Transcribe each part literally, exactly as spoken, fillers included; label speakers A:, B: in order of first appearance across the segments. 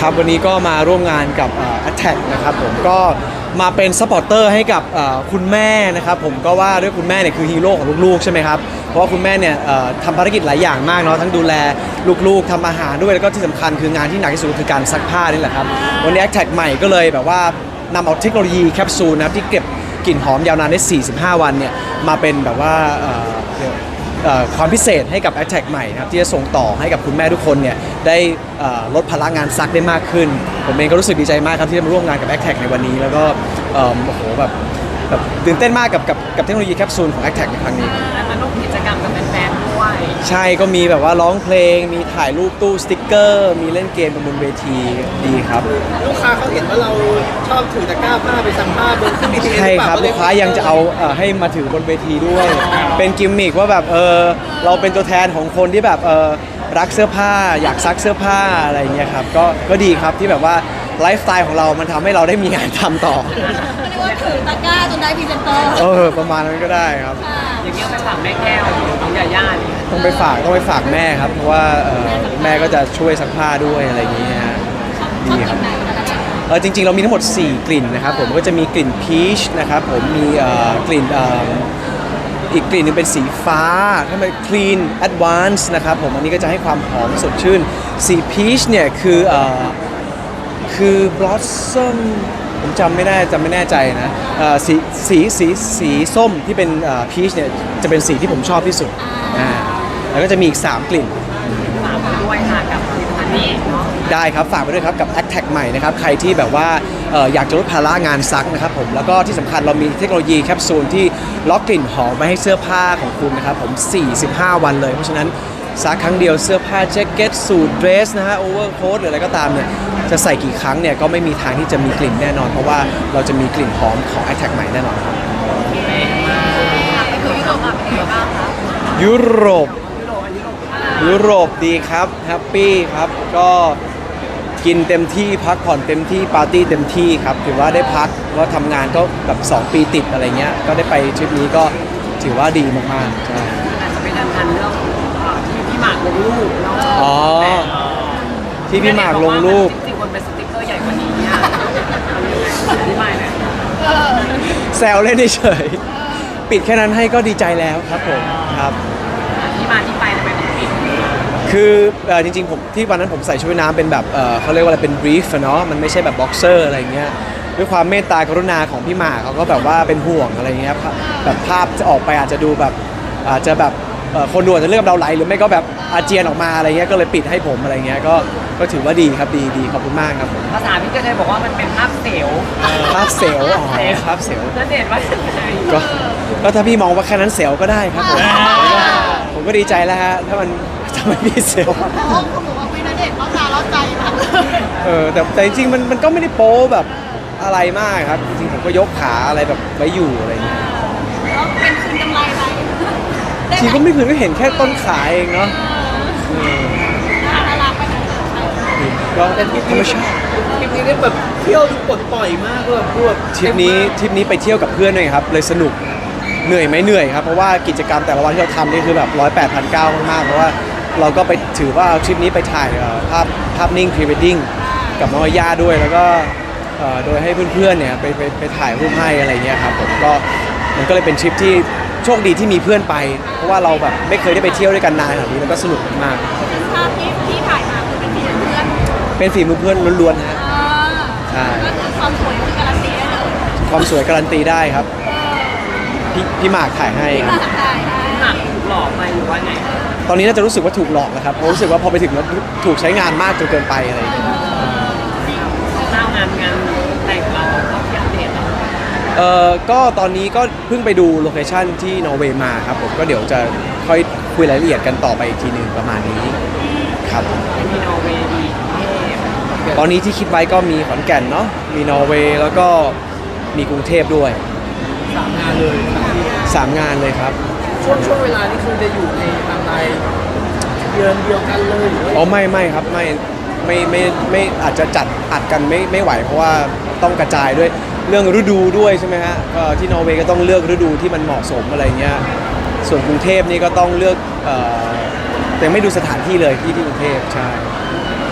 A: ครับวันนี้ก็มาร่วมงานกับ Attack นะครับผมก็มาเป็นซัพพอร์เตอร์ให้กับคุณแม่นะครับผมก็ว่าด้วยคุณแม่เนี่ยคือฮีโร่ของลูกๆใช่ไหมครับเพราะว่าคุณแม่เนี่ยทำภารกิจหลายอย่างมากเนาะทั้งดูแลลูกๆทำอาหารด้วยแล้วก็ที่สำคัญคืองานที่หนักที่สุดคือการซักผ้านี่แหละครับวันนี้ Attack ใหม่ก็เลยแบบว่านำเอาเทคโนโลยีแคปซูลนะครับที่เก็บกลิ่นหอมยาวนานได้สี่สิบห้าวันเนี่ยมาเป็นแบบว่าความพิเศษให้กับ Attack ใหม่นะครับที่จะส่งต่อให้กับคุณแม่ทุกคนเนี่ยได้ลดภาระงานซักได้มากขึ้นผมเองก็รู้สึกดีใจมากครับที่ได้มาร่วมงานกับ Attack ในวันนี้แล้วก็โอ้โหแบบแบบตื่นเต้นมากกับกับกับเทคโนโลยีแคปซูลของ Attack ในครั้งนี้
B: และมาร่วมกิจกรรมกับแฟนๆด้วย
A: ใช่ก็มีแบบว่าร้องเพลงมีถ่ายรูปตู้สติ๊กเกอร์มีเล่นเกมบนเวทีดีครับ
C: ลูกค้าเขาเห็นว่าเราชอบถือตะกร้าผ้าไปซักผ้าบนเครื่องบินใช่
A: ครับลูกค้ายังจะเอาให้มาถือบนเวทีด้วยเป็นกิมมิคว่าแบบเออเราเป็นตัวแทนของคนที่แบบเออรักเสื้อผ้าอยากซักเสื้อผ้าอะไรอย่างเงี้ยครับก็ก็ดีครับที่แบบว่าไลฟ์สไตล์ของเรามันทำให้เราได้มีงานทำต่อ
D: เรียกว่าถือตะกร้าจนได้พรีเซนเตอร์
A: เออประมาณนั้นก็ได้ครับ
B: อย่างเงี้ยไปฝากแม่แก้วน้องยาย่านี่
A: ต้องไปฝากต้องไปฝากแม่ครับเพราะว่าแม่ก็จะช่วยซักผ้าด้วยอะไรอย่างเงี้ยดีครับเออจริงๆเรามีทั้งหมดสี่กลิ่นนะครับผมก็จะมีกลิ่นพีชนะครับผมมีกลิ่นอีกกลิ่นนึงเป็นสีฟ้าถ้าเป็น clean advance นะครับผมอันนี้ก็จะให้ความหอมสดชื่นสีพีชเนี่ยคือคือ blossom ผมจำไม่ได้จำไม่แน่ใจนะสีสีสีสีส้มที่เป็นพีชเนี่ยจะเป็นสีที่ผมชอบที่สุดอ่าแล้วก็จะมีอีกสามกลิ่น
B: ฝากมาด้วยค่ะกับผลิตภัณฑ์นี้เนาะ
A: ได้ครับฝากไปด้วยครับกับ Attack ใหม่นะครับใครที่แบบว่าอยากจะลดภาระงานซักนะครับผมแล้วก็ที่สำคัญเรามีเทคโนโลยีแคปซูลที่ล็อกกลิ่นหอมไว้ให้เสื้อผ้าของคุณนะครับผมสี่สิบห้าวันเลยเพราะฉะนั้นซักครั้งเดียวเสื้อผ้าแจ็คเก็ตสูทเดรสนะฮะโอเวอร์โค้ทหรืออะไรก็ตามเนี่ยจะใส่กี่ครั้งเนี่ยก็ไม่มีทางที่จะมีกลิ่นแน่นอนเพราะว่าเราจะมีกลิ่นหอมของ Attack ใหม่แน่นอนครับ
D: ไปคือยุโรปอ่ะเป็นยังไงบ้างคะ
A: ยุโรปยุโรปดีครับแฮปปี้ครับก็กินเต็มที่พักผ่อนเต็มที่ปาร์ตี้เต็มที่ครับถือว่าได้พักก็ทำงานก็แบบสองปีติดอะไรเงี้ยก็ได้ไปทริปนี้ก็ถือว่าดีมากๆใช่
B: อาจจะเป็นทันเรื่องที่พี่หมากลงรูปเนาะ
A: อ๋อที่พี่หมากลงรูป
B: จริงๆคนเป็นสติ๊กเกอร์ใหญ่กว่านี้อ่ะอธิบายหน่อย
A: แซวเล่นเฉยปิดแค่นั้นให้ก็ดีใจแล้วครับผมครับ
B: ที่มาที่ไปทำไมถึงปิด
A: คือจริงๆผมที่วันนั้นผมใส่ชุดว่ายน้ำเป็นแบบเขาเรียกว่าอะไรเป็นบรีฟเนาะมันไม่ใช่แบบบ็อกเซอร์อะไรเงี้ยด้วยความเมตตากรุณาของพี่หมากเขาก็แบบว่าเป็นห่วงอะไรเงี้ยแบบภาพจะออกไปอาจจะดูแบบอาจจะแบบคนดูอาจจะเลือกเราไหลหรือไม่ก็แบบอาเจียนออกมาอะไรเงี้ยก็เลยปิดให้ผมอะไรเงี้ยก็ก็ถือว่าดีครับดีดีขอบคุณมากครับ
B: ภาษาพี่เจเจบอกว่ามันเป็นภาพเซลล์
A: ภาพเซลล์อ๋อภาพเซลล์
B: นั่นเด็ดว่า
A: ก็ก็ถ้าพี่มองว่าแค่นั้นเซลล์ก็ได้ครับผมผมก็ดีใจแล้วฮะถ้ามันถ้ามันมีเซลล์
D: เขาบอกว่าไม่น่าเด็ดเขาตาล้อใจมาก
A: เออแต่แต่จริงๆมันมันก็ไม่ได้โป๊แบบอะไรมากครับจริงๆผมก็ยกขาอะไรแบบไว้อยู่อะไรเงี้ย
D: แล้วเป็นคืนกำไรไหม
A: จริงก็ไม่คืนก็เห็นแค่ต้นขาเองเนาะ
D: น่ารักไป
A: ก็ธรรมชาติ
C: ทริปนี้ได้แบบเที่ยวดูปลดปล่อยมากเลยพวก
A: ทริปนี้ทริปนี้ไปเที่ยวกับเพื่อนด้วยครับเลยสนุกเหนื่อยไหมเหนื่อยครับเพราะว่ากิจกรรมแต่ละวันที่เราทำนี่คือแบบร้อยแปดพันเก้ามากๆเพราะว่าเราก็ไปถือว่าทริปนี้ไปถ่ายภาพภาพนิ่งพรีเวดดิ้งกับน้องย่าด้วยแล้วก็โดยให้เพื่อนๆเนี่ยไปไปไปถ่ายรูปให้อะไรเงี้ยครับผมก็มันก็เลยเป็นทริปที่โชคดีที่มีเพื่อนไปเพราะว่าเราแบบไม่เคยได้ไปเที่ยวด้วยกันนานแบบนี้แล้วก็สนุกมาก
D: ภาพที่ที่ถ่ายมาคือเป็นฝีมือเพื่อน
A: เป็นฝีมือเพื่อนล้วนๆฮะ
D: ใช่ก็คือความสวยคือการันตีได้เลย
A: ความสวยการันตีได้ครับพี่พี่หมากถ่ายให้ครับ
B: พี่หมากถูกหลอกไปหรือว่าไง
A: ตอนนี้น่าจะรู้สึกว่าถูกหลอกแล้วครับเพราะรู้สึกว่าพอไปถึงแล้วถูกใช้งานมากจนเกินไปอะไรอย่างเงี้ย
B: เล่างานงานแต่งเราก็ที่อัปเดตแล้ว
A: เอ่อก็ตอนนี้ก็เพิ่งไปดูโลเคชั่นที่นอร์เวย์มาครับผมก็เดี๋ยวจะค่อยคุยรายละเอียดกันต่อไปอีกทีหนึ่งประมาณนี้ครับ
B: มีนอร์เวย์ดี
A: ตอนนี้ที่คิดไว้ก็มีขอนแก่นเนาะมีนอร์เวย์แล้วก็มีกรุงเทพด้วย
C: สามงานเลย
A: สามงานเลยครับ
C: ช่วงช่วงเวลานี้คือจะอยู่ในทางใดเดือนเดียวกันเลยหรือ
A: อ๋อไม่ไม่ครับไม่ไม่ไม่ไม่อาจจะจัดอัดกันไม่ไม่ไหวเพราะว่าต้องกระจายด้วยเรื่องฤดูด้วยใช่ไหมฮะที่นอร์เวย์ก็ต้องเลือกฤดูที่มันเหมาะสมอะไรเงี้ยส่วนกรุงเทพนี่ก็ต้องเลือกแต่ไม่ดูสถานที่เลยที่ที่กรุงเทพใช่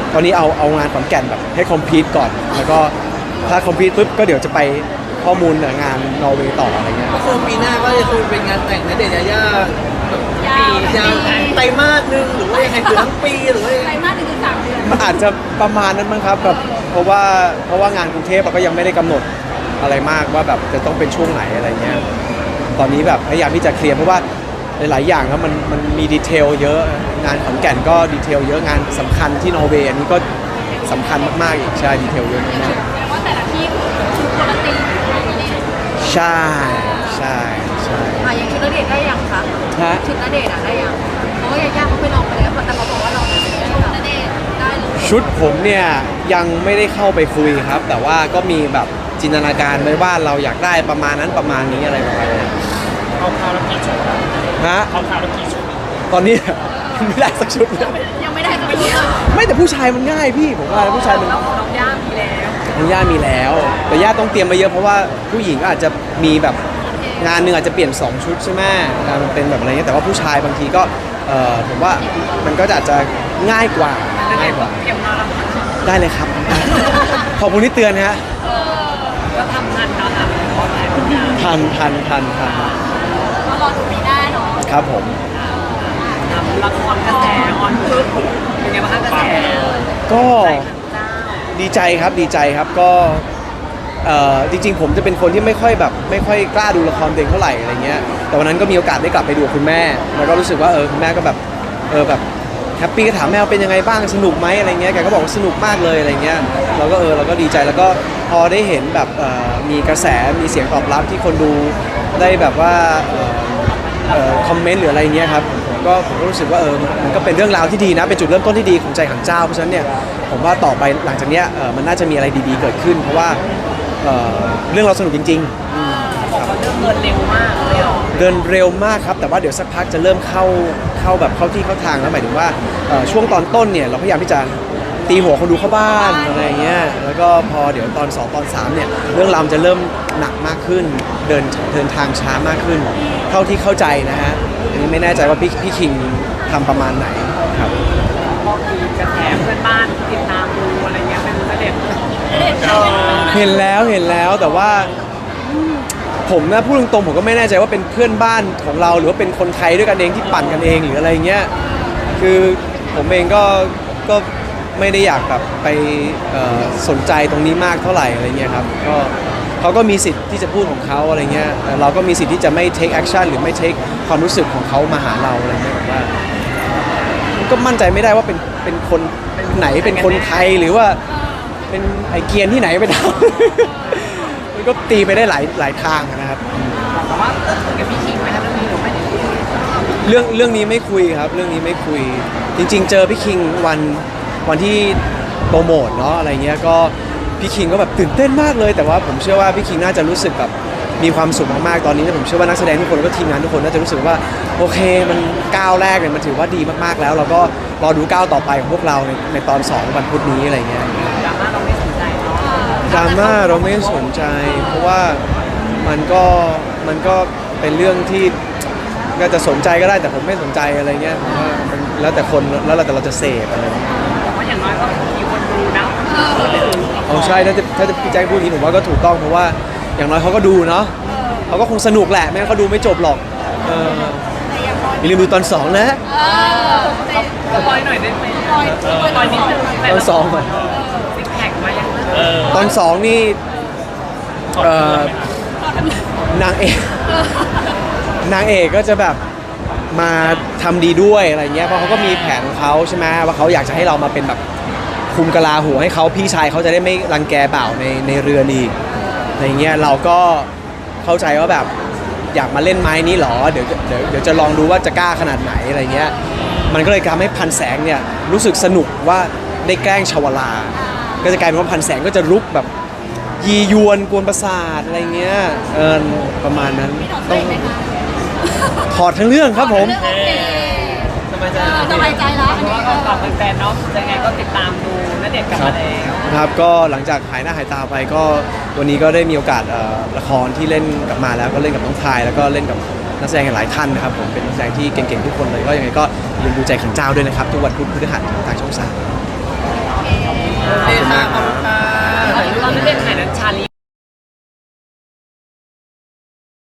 A: ตอนนี้เอาเอางานขอนแก่นแบบให้คอมพลีทก่อน แล้วก็ถ้าคอมพลีทปุ๊บก็เดี๋ยวจะไปข้อมูลงานนอร์เวย์ต่ออะไรเงี้ย
C: ก็คือปีหน้าก็จะคือเป็นงานแต่งณเดชน์ยายาแบบ
D: ยาวย
C: าวไตรมาสหนึ่งหรือว่ายังไงหรือทั้งปีหรือว่ายัง
D: ไต
C: ไง
D: รมาสหนึ่งถึงสามเดือน
A: มันอาจจะประมาณนั้นมั้งครับแบบเพราะว่าเพราะว่างานกรุงเทพอะก็ยังไม่ได้กำหนดอะไรมากว่าแบบจะต้องเป็นช่วงไหนอะไรเงี้ยตอนนี้แบบพยายามที่จะเคลียร์เพราะว่าหลายๆอย่างแล้วมันมันมีดีเทลเยอะงานขอนแก่นก็ดีเทลเยอะงานสำคัญที่นอร์เวย์อันนี้ก็สำคัญมากๆอีกใช่ดีเทลเยอะมาก
D: แปลว่าแต่ละที่คือชุดคนละตีมนี่
A: ๆใช่ใช่ใช่
D: อ่ะยังชุดณเดชน์ได้ยังคะ
A: ฮะ
D: ชุดณเดชน์อ่ะได้ยังเพราะว่ายาย่าเขาไปลองไปแล้วแต่เขาบอกว่าเราเนี่ยชุดณเดชน์ได้เลย
A: ชุดผมเนี่ยยังไม่ได้เข้าไปคุยครับ แต่ว่าก็มีแบบจินตนาการไว้ว่าเราอยากได้ประมาณนั้นประมาณนี้อะไรประมาณนี้
C: เอาคราวละกี่ชุด
A: ฮะ
C: เอาคราวละกี่ชุด
A: ตอนนี้ ไม่ได้สักชุดเลย
D: ยังไม่ได้สักชุดเลย
A: ไม่แต่ผู้ชายมันง่ายพี่ผมว่าผู้ชายมัน
B: แล้วของน้องย่ามีแล้ว
A: มันย่ามีแล้ว แต่ย่าต้องเตรียมมาเยอะเพราะว่าผู้หญิงก็อาจจะมีแบบงานหนึ่งอาจจะเปลี่ยนสองชุดใช่ไหมงานมันเป็นแบบอะไรเงี้ยแต่ว่าผู้ชายบางทีก็เออผมว่ามันก็อาจจะง่ายกว่า
B: นั่นเอ
A: ง่าย
B: ง
A: กว่า
B: เตรียมมาแล้ว
A: ได้เลยครับ ขอบคุณที่เตือนฮะ
B: ก็ทำงานเนาะค่ะเพราะหลายคนงาน
A: ทันทันทันทัน
D: ก็รอดูปีหน้าเนาะ
A: ครับผม
B: ทำละครกระแสออนพึกเป็นไงบ้างคะกระแส
A: ก็
B: เจ้า
A: ดีใจครับดีใจครับก็เอ่อจริงๆ ผมจะเป็นคนที่ไม่ค่อยแบบไม่ค่อยกล้าดูละครตัวเองเท่าไหร่อะไรเงี้ยแต่วันนั้นก็มีโอกาสได้กลับไปดูกับคุณแม่ แล้วก็รู้สึกว่าเออคุณแม่ก็แบบเออแบบแฮปปี้ก็ถามแม่ว่าเป็นยังไงบ้างสนุกไหมอะไรเงี้ยแกก็บอกว่าสนุกมากเลยอะไรเงี้ยเราก็เออเราก็ดีใจแล้วก็พอได้เห็นแบบเอ่อมีกระแสมีเสียงตอบรับที่คนดูได้แบบว่าเอ่อเอ่อคอมเมนต์หรืออะไรเงี้ยครับผมก็ผมก็รู้สึกว่าเออมันมันก็เป็นเรื่องราวที่ดีนะเป็นจุดเริ่มต้นที่ดีของใจขังเจ้าเพราะฉะนั้นเนี่ยผมว่าต่อไปหลังจากเนี้ยเออมันน่าจะมีอะไรดีๆเกิดขึ้น เพราะว่าเอ่อเรื่องเราสนุกจริงๆ
B: บอกว่าเรื่องเงินเร็วมากเลยอ่ะ
A: เดินเร็วมากครับ แต่ว่าเดี๋ยวสักพักจะเริ่มเข้าเข้าแบบเข้าที่เข้าทางแล้วหมายถึงว่าเอ่อช่วงตอนต้นเนี่ยเราพยายามที่จะตีหัวคนดูเข้าบ้านอะไรอย่างเงี้ยแล้วก็พอเดี๋ยวตอนสองตอนสามเนี่ยเรื่องราวจะเริ่มหนักมากขึ้น เดินเดินทางช้ามากขึ้น เท่าที่เข้าใจนะฮะอันนี้ไม่แน่ใจว่าพี่พี่คิงทำประมาณไหนครับ
B: ก็มีกระแสเพื่อนบ้านติดตามดูอะไรเงี้ยเป็นเสด็จ
A: เห็นแล้วเห็นแล้วแต่ว่าผมนะพูดตรงๆผมก็ไม่แน่ใจว่าเป็นเพื่อนบ้านของเราหรือว่าเป็นคนไทยด้วยกันเองที่ปั่นกันเองหรืออะไรเงี้ยคือผมเองก็ก็ไม่ได้อยากแบบไปเอ่อสนใจตรงนี้มากเท่าไหร่อะไรเงี้ยครับก็เขาก็มีสิทธิ์ที่จะพูดของเขาอะไรเงี้ยแต่เราก็มีสิทธิ์ที่จะไม่ take action หรือไม่ take ความรู้สึกของเขามาหาเราอะไรเงี้ยผมว่าก็มั่นใจไม่ได้ว่าเป็นเป็นคนไหนเป็นคนไทยหรือว่าเป็นไอเกียนที่ไหนไปทำ มันก็ตีไปได้หลายหลายทางนะครับ
B: แต่ว่าคุยกับพี่คิงไหมคะเรื่องนี้หรือไม่ได้คุย
A: เรื่องเรื่องนี้ไม่คุยครับ เรื่องนี้ไม่คุย จริง ๆ เจอพี่คิงวันวันที่โปรโมทเนาะอะไรเงี้ยก็พี่คิงก็แบบตื่นเต้นมากเลย แต่ว่าผมเชื่อว่าพี่คิงน่าจะรู้สึกแบบมีความสุขมากๆตอนนี้ผมเชื่อว่านักแสดงทุกคนแล้วก็ทีมงานทุกคนน่าจะรู้สึกว่าโอเคมันก้าวแรกเนี่ยมันถือว่าดีมากๆแล้ว เราก็รอดูก้าวต่อไปของพวกเราในในตอนสองวันพุธนี้อะไรเงี้ย
B: ดราม่าเราไม่สนใจเนาะ
A: ดราม่าเราไม่สนใจ เพราะว่ามันก็มันก็เป็นเรื่องที่ก็จะสนใจก็ได้แต่ผมไม่สนใจอะไรเงี้ยผมว่ามันแล้วแต่คนแล้วแต่เราจะเสพอะไรเงี้ย
B: แต่ว่าอย่างน้อยก็มีคนดูนะ
A: เอาใช่ถ้าจะถ้าจะพี่แจ็คพูดอย่างนี้ผมว่าก็ถูกต้องเพราะว่าอย่างน้อยเขาก็ดูเนาะเขาก็คงสนุกแหละไม่งั้นเขาดูไม่จบหรอกเอออย่าลืมดูตอนสองนะ
D: เออใน
B: สปอยหน่อยได้ไหม
D: ปล่อยปล่อย
B: ปอยนิดนึง
A: ตอนสองก่อน
B: ซิกแพคมายัง
A: ตอนสองนี่เอ่อนางเอกนางเอกก็จะแบบมาทำดีด้วยอะไรเงี้ยเพราะเขาก็มีแผนของเขาใช่ไหมว่าเขาอยากจะให้เรามาเป็นแบบคุมกะลาหัวให้เขาพี่ชายเขาจะได้ไม่รังแกบ่าวในในเรือนอีกอะไรเงี้ยเราก็เข้าใจว่าแบบอยากมาเล่นไม้นี้หรอเดี๋ยวเดี๋ยวเดี๋ยวจะลองดูว่าจะกล้าขนาดไหนอะไรเงี้ยมันก็เลยทำให้พันแสงเนี่ยรู้สึกสนุกว่าได้แกล้งชวลา ก็จะกลายเป็นว่าพันแสงก็จะลุกแบบยียวนกวนประสาทอะไรเงี้ยเออประมาณนั้นต้องถอดทั้งเรื่องครับผม
D: เรื่องโอเค
B: สบายใจ
D: เออสบายใจแล้วอัน
B: เพราะ
D: นี้
B: ว่า
D: ก็
B: ก็ฝากแฟนๆเนาะยังไงก็ติดตามดูณเดชน์กลับมาแล้ว
A: ครับก็หลังจากหายหน้าหายตาไปก็วันนี้ก็ได้มีโอกาสเอ่อละครที่เล่นกลับมาแล้วก็เล่นกับน้องทายแล้วก็เล่นกับนักแสดงหลายท่านนะครับผมเป็นนักแสดงที่เก่งๆทุกคนเลยก็ยังไงก็อย่าลืมดูใจขันเจ้าด้วยนะครับทุกวันพุธพฤหัสทางช่องสาม